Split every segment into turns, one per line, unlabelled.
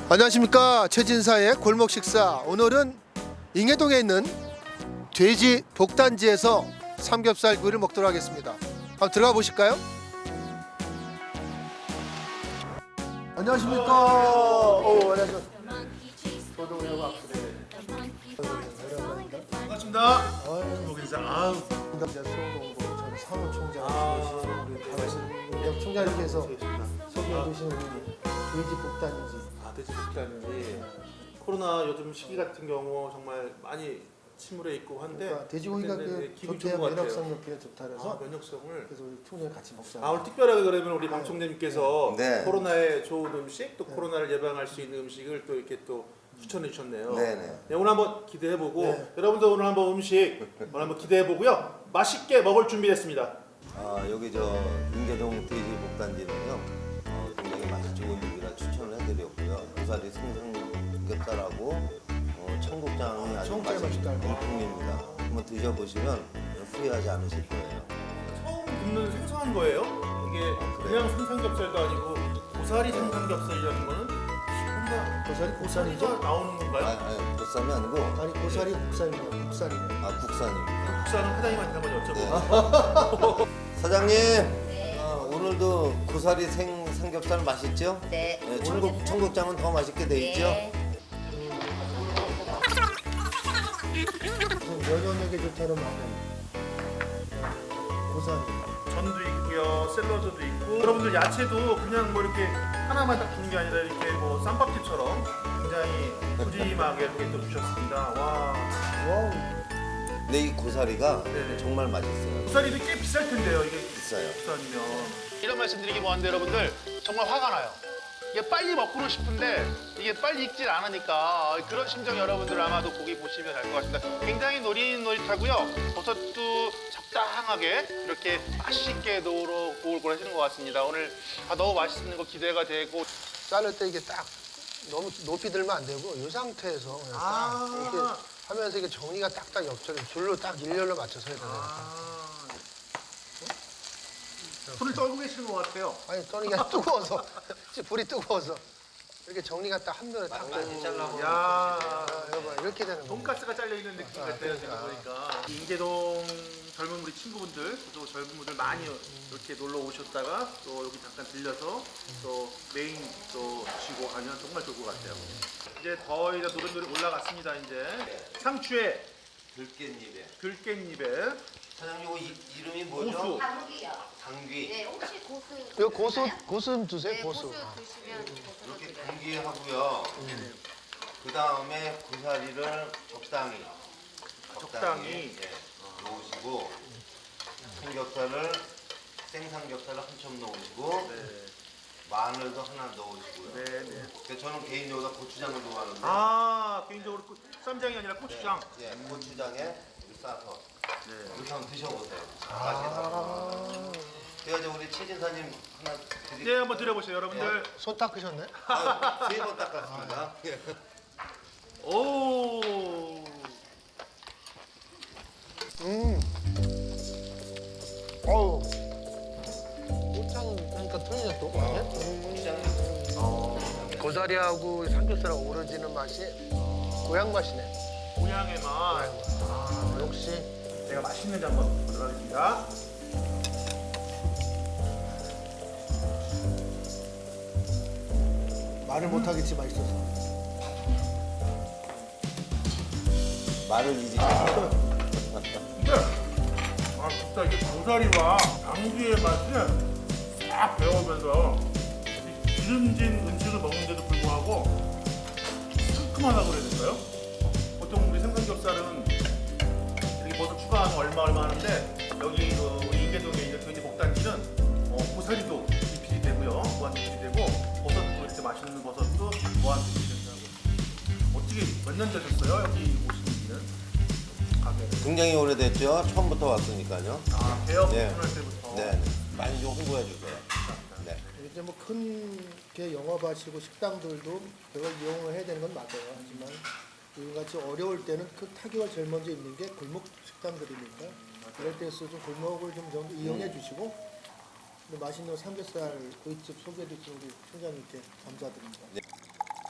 안녕하십니까. 최진사의 골목 식사. 오늘은 잉해동에 있는 돼지 복단지에서 삼겹살 구이를 먹도록 하겠습니다. 한번 들어가 보실까요? 안녕하십니까. 안녕하세요.
반갑습니다. 골목 식사.
남자 수원공고 전 사무총장 우리 역 총장님께서 소개해 주시는 돼지 복단지.
돼지 복단지. 코로나 요즘 시기 같은 경우 정말 많이 침울해 있고 한데
그러니까 돼지고기가
근데 기분이
좋대요.
좋은 것 같아요.
면역성이 좋다 그래서
면역성을.
그래서 우리 총장님 같이 먹자.
오늘 특별하게 그러면 우리 방 총장님께서
네.
코로나에 좋은 음식 또 코로나를 예방할 수 있는 음식을 또 이렇게 또 추천해 주셨네요.
네네.
네, 오늘 한번 기대해보고
네.
여러분도 오늘 한번 음식 오늘 한번 기대해보고요. 맛있게 먹을 준비됐습니다.
여기 저 인계동 돼지 복단지는요 굉장히 맛이 좋은 집이라 추천을 해드렸고요. 고사리 생삼겹살하고 청국장이 아주
청국장이 맛있다.
일품입니다. 한번 드셔보시면 후회하지 않으실 거예요.
처음 굽는 생선한 거예요? 이게 그냥 생삼겹살도 아니고 고사리 생삼겹살이라는 거는 뭔가
고사리 국산이죠?
나오는 건가요?
아니 보쌈이 아니고
아니 고사리 국산이에요. 국산이에요.
국산입니다.
국산은 사장님한테 한번 여쭤보고.
사장님 오늘도 고사리 생삼겹살 맛있죠?
네.
청국장은 더 맛있게 돼 있죠?
네.
면역력에 좋다는 말은 고사리.
전도 있고요, 샐러드도 있고. 여러분들 야채도 그냥 뭐 이렇게 하나만 딱 주는 게 아니라 이렇게 뭐 쌈밥집처럼 굉장히 푸짐하게 이렇게 또 주셨습니다. 와.
와우.
근데 이 고사리가
네네.
정말 맛있어요.
고사리도 꽤 비쌀 텐데요, 이게
비싸요.
국산이면. 이런 말씀드리기 뭐한데 여러분들 정말 화가 나요. 이게 빨리 먹고는 싶은데 이게 빨리 익질 않으니까 그런 심정 여러분들 아마도 보기 보시면 알 것 같습니다. 굉장히 노릇노릇하고요. 버섯도 적당하게 이렇게 맛있게 노릇고울 하시는 것 같습니다. 오늘 너무 맛있는 거 기대가 되고.
자를 때 이게 딱 너무 높이 들면 안 되고 이 상태에서 그냥 딱 이렇게 하면서 이게 정리가 딱딱 옆처럼 줄로 딱 일렬로 맞춰서 해야 돼요.
손을 떨고 계시는 것 같아요.
아니 떠니가 뜨거워서 불이 뜨거워서 이렇게 정리가 딱 한 면에 딱 되고.
야,
여러분 이렇게 되는 거예요.
돈가스가 잘려 있는 느낌 같아요 지금 보니까. 인계동 젊은 우리 친구분들, 또 젊은 분들 많이 이렇게 놀러 오셨다가 또 여기 잠깐 들려서 또 메인 또 드시고 가면 정말 좋을 것 같아요. 이제 거의 다 노릇노릇 올라갔습니다. 이제 상추에 들깻잎에
사장님 이거 이름이 뭐죠?
고수.
당귀요.
당귀.
네, 혹시 고수.
이거 고수 좀 주세요.
네,
고수.
고수 드시면 고수
이렇게
드려요.
당귀하고요. 그 다음에 고사리를 적당히 예, 넣으시고 삼겹살을 생삼겹살을 한 점 넣으시고
네.
마늘도 하나 넣으시고요.
네, 네.
근데 저는 개인적으로 고추장을 좋아하는데
개인적으로 쌈장이 아니라 고추장.
예, 고추장에 싸서 이렇게 한번 드셔보세요.
아,
제가 이제 우리 최진사님 하나
네, 한번 드려보세요, 여러분들.
손 닦으셨네?
3번 닦았습니다.
오.
어우. 고창 그러니까 틀리네 또. 고사리하고 삼겹살하고 어우러지는 맛이 고향 맛이네.
고향의 맛.
역시.
제가 맛있는지 한번 보도록 하겠습니다.
말을 못하겠지 맛있어서.
말을 잊으셨어요.
근데 진짜 이게 고사리와 당귀의 맛이 싹 배어오면서 이 기름진 음식을 먹는데도 불구하고 상큼하다고 그래야 될까요? 보통 우리 생삼겹살은 이렇게 버섯 추가하면 얼마 하는데 여기 그 인계동에 있는 돼지 복단지는 고사리도 리필이 되고요, 무한 리필이 되고 버섯도 이렇게 맛있는 버섯도 무한 리필이 된다고. 어떻게 몇 년 되셨어요 여기 오시는 가게를?
굉장히 오래됐죠. 처음부터 왔으니까요.
개업
네.
오픈할 때부터.
네, 많이 좀 홍보해 주세요. 네.
이제 뭐 큰 영업하시고 식당들도 그걸 이용을 해야 되는 건 맞아요. 하지만 이같이 어려울 때는 그 타격을 제일 먼저 입는 게 골목 식당들이니까 그럴 때서 좀 골목을 좀 정도 이용해 주시고 맛있는 삼겹살 구이집 소개해 주신 우리 총장님께 감사드립니다.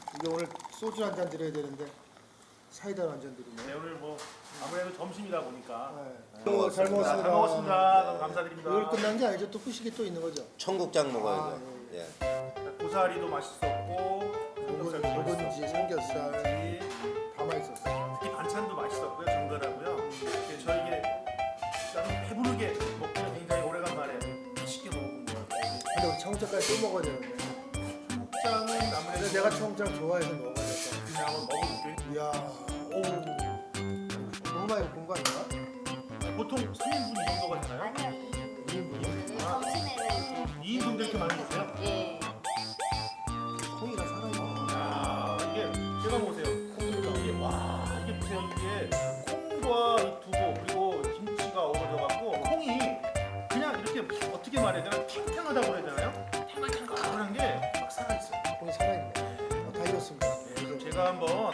이게 오늘 소주 한 잔 드려야 되는데 사이다 한 잔 드리네.
네, 오늘 뭐 아무래도 점심이다 보니까
네.
잘 먹었습니다.
잘 먹었습니다.
잘 먹었습니다. 너무 감사드립니다.
이걸 끝난 게 아니죠. 또 후식이 또 있는 거죠.
청국장 먹어야죠.
아,
예.
고사리도 맛있었고 삼겹살도
묵은지,
맛있었고,
삼겹살
묵은지,
다 맛있었어요.
특히 반찬도 맛있었고요. 정갈하고요. 저에게 나는 배부르게 먹기는 굉장히 오래간만에 맛있게 먹은 것 같아요.
근데 우리 청국장까지 또 먹어야 되는데.
청국장은
근데
아무래도
내가 청국장 좋아해서 먹어야 돼.
그냥 한번 먹어볼게요.
이야, 오, 너무 많이 먹은 거 아닌가?
보통 3인분 이 정도가 되나요?
아니요.
2인분이요?
점심에는
2인분도 이렇게 많이 드세요?
예.
콩이가 살아있네.
아, 이게 제가 보세요. 콩이가 이게 와 이게 보세요. 이게 콩과 이 두부 그리고 김치가 어우러져갖고 콩이 그냥 이렇게 어떻게 말해야 되나 탱탱하다고 그래야 되나요? 탱글탱글한 게 막 살아있어요.
콩이 살아있네. 다 익었습니다.
네, 그럼 제가 한번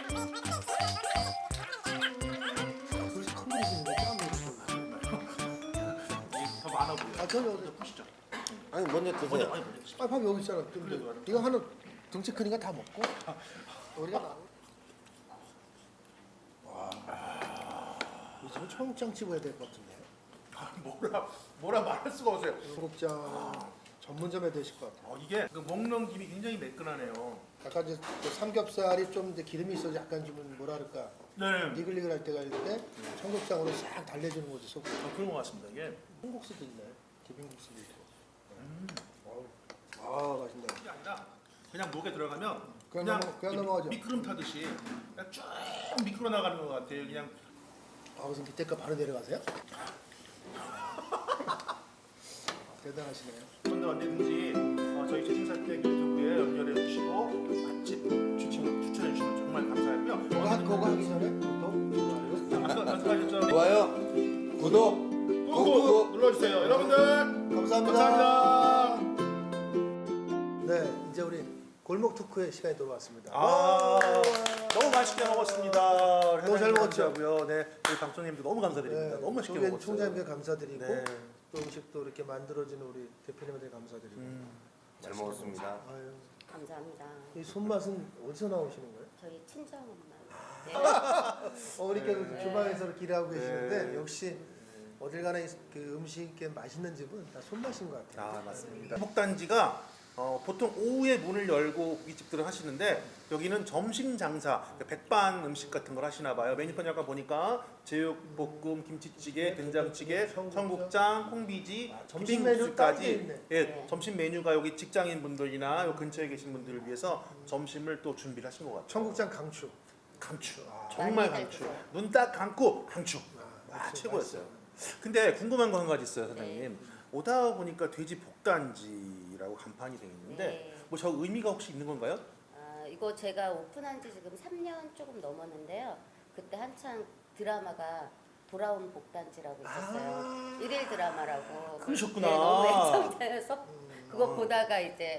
그래서 큰 그릇이 있는데 짠
이게 더 많아 보여요.
아, 저기
보시죠.
아니 먼저
먼저
드세요.
아니 먼저 드시죠.
아, 밥 여기 있잖아. 근데
그래도 말이야.
이거 하나 등치 크니까 다 먹고 우리가 나. 와, 이제 청국장 집어야 될 것 같은데.
아, 뭐라 말할 수가 없어요.
청국장 전문점에 되실 것 같아요.
이게 그 먹는 김이 굉장히 매끈하네요.
약간 이제 그 삼겹살이 좀 이제 기름이 있어서 약간 좀 뭐라 그럴까
네.
니글니글할 때가 있을 때 청국장으로 싹 달래주는 거지 속.
그런 것 같습니다. 이게
콩국수도 있네. 비빔국수도 있고. 아, 맛있네.
이게 아니라 그냥 목에 들어가면
그냥 넘어가죠.
미끄럼 타듯이 그냥 쭉 미끄러 나가는 것 같아요. 그냥
아, 무슨 밑에가 바로 내려가세요? 대단하시네요.
그런데 언제든지 저희 최신사택 유튜브에 연결해 주시고 맛집 추천해 주시면 정말 감사하고요.
그거 하기 전에 구독, 좋아요.
아까 말씀하셨죠?
좋아요. 구독.
꾹꾹 눌러주세요. 여러분들
감사합니다. 네, 이제 우리 골목 토크의 시간이 돌아왔습니다.
너무 맛있게 먹었습니다.
너무 잘 먹었죠?
고요 네, 우리 방송님도 너무 감사드립니다. 너무 맛있게
저희
먹었어요.
총장님께 감사드리고
네.
또 음식도 이렇게 만들어주는 우리 대표님한테 감사드리고.
잘 먹었습니다.
아유,
감사합니다.
이 손맛은 어디서 나오시는 거예요?
저희 친정 엄마. 네.
어머니께서 주방에서 이렇게 일하고 계시는데
네.
역시 어딜 가나 그 음식이 맛있는 집은 다 손맛인 것 같아요.
맞습니다. 복단지가 보통 오후에 문을 열고 고깃집들을 하시는데 여기는 점심 장사, 백반 음식 같은 걸 하시나 봐요. 메뉴판 약간 보니까 제육볶음, 김치찌개, 된장찌개, 청국장, 콩비지,
점심 메뉴 딱돼 있네.
예,
네.
점심 메뉴가 여기 직장인 분들이나 요 근처에 계신 분들을 위해서 점심을 또 준비를 하신 것 같아요.
청국장 강추.
강추,
아,
정말
많이
강추.
드세요.
눈 딱 감고 강추.
역시
최고였어요. 근데 궁금한 거 한 가지 있어요, 사장님. 오다 보니까 돼지 복단지라고 간판이 되어 있는데
네.
뭐 저 의미가 혹시 있는 건가요?
이거 제가 오픈한 지 지금 3년 조금 넘었는데요. 그때 한창 드라마가 돌아온 복단지라고 있었어요. 일일 드라마라고.
그러셨구나.
네, 너무 애청자여서 그거 보다가 이제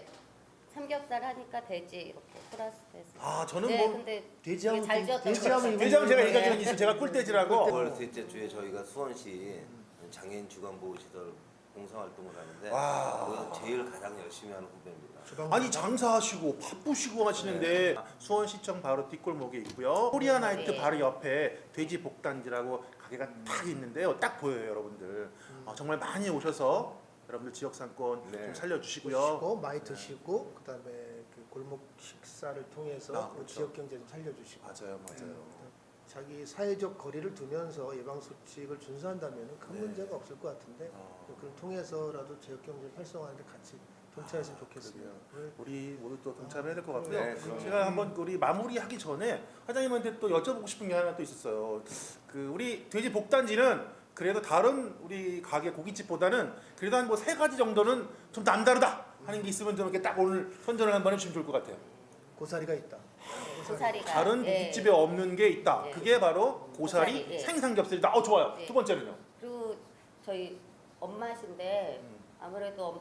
삼겹살 하니까 돼지 이렇게 플러스돼서.
아 저는
네,
뭐
근데
돼지하면
되게 잘 지었다고
돼지하면
대장 제가
네.
얘기한 적이 있어요. 제가 꿀돼지라고.
9월 셋째 주에 저희가 수원시 장애인 주간보호시설 봉사활동을 하는데
와.
거기서 제일 가장 열심히 하는 후배입니다.
아니 장사하시고 바쁘시고 하시는데 수원시청 바로 뒷골목에 있고요. 코리아나이트
네.
바로 옆에 돼지 복단지라고 가게가 딱 있는데요. 딱 보여요, 여러분들. 정말 많이 오셔서 여러분들 지역 상권
네.
좀 살려주시고요.
드시고 많이 드시고 그다음에 그 골목 식사를 통해서
아,
그
그렇죠.
지역 경제 좀 살려주시고
맞아요, 맞아요.
자기 사회적 거리를 두면서 예방 수칙을 준수한다면 큰
네.
문제가 없을 것 같은데 그걸 통해서라도 지역 경제 활성화하는데 같이 동참했으면 좋겠습니다.
그러게요. 우리 모두 또 동참해야 될 것 같고요.
네, 그럼요.
제가 한번 우리 마무리하기 전에 사장님한테 또 여쭤보고 싶은 게 하나 또 있었어요. 그 우리 돼지 복단지는 그래도 다른 우리 가게 고깃집보다는 그래도 한 뭐 3가지 정도는 좀 남다르다 하는 게 있으면 좀 이렇게 딱 오늘 선전을 한번 해주시면 좋을 것 같아요.
고사리가 있다.
고사리가
다른
예.
고깃집에 없는 게 있다.
예.
그게 바로 고사리,
고사리, 예.
생삼겹살이다. 좋아요.
예.
두 번째는요.
그리고 저희 엄마신데 아무래도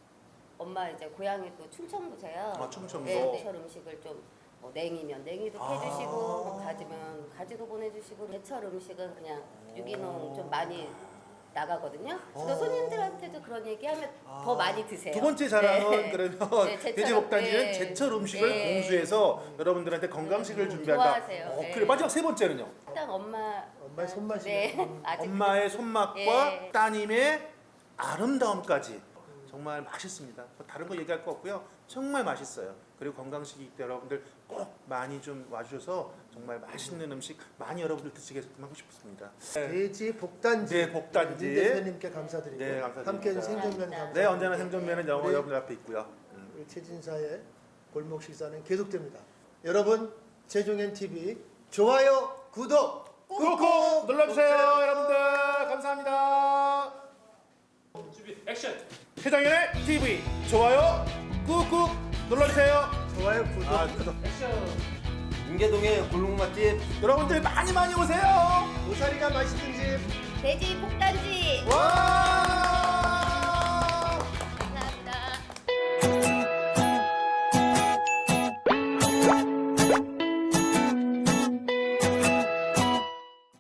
엄마 이제 고향이 또 충청도세요.
아, 충청도.
네, 제철 음식을 좀 냉이면 냉이도
아.
해주시고 뭐 가지면 가지도 보내주시고 제철 음식은 그냥 유기농 좀 많이 나가거든요. 그래서 손님들한테도 그런 얘기하면 더 많이 드세요.
두 번째 자랑은
네.
그러면
네, 제철,
돼지복단지는
네.
제철 음식을
네.
공수해서 여러분들한테 건강식을 준비한다.
좋아하세요. 네.
그래 마지막 세 번째는요.
일단
엄마의 손맛이.
네. 아직
엄마의 손맛과
예.
따님의 아름다움까지 정말 맛있습니다. 뭐 다른 거 얘기할 거 없고요. 정말 맛있어요. 그리고 건강식이기 때문에 여러분들 꼭 많이 좀 와주셔서 정말 맛있는 음식 많이 여러분들 드시게 했으면 하고 싶습니다.
돼지 복단지.
네, 복단지.
민 대표님께 감사드리고
네, 감사드립니다.
함께해준 생존면 감사합니다.
네, 언제나 생존면은 영어
우리-
여러분들 앞에 있고요.
우리 최진사의 골목 식사는 계속됩니다. 여러분 최종현 TV 좋아요, 구독
꾹꾹 눌러주세요, 여러분들. 감사합니다.
준비 액션.
최정현의 TV 좋아요 꾹꾹 눌러주세요.
좋아요, 구독.
구독.
인계동의 골목 맛집
여러분들 많이 오세요.
고사리가 맛있는 집.
돼지 폭단지.
와!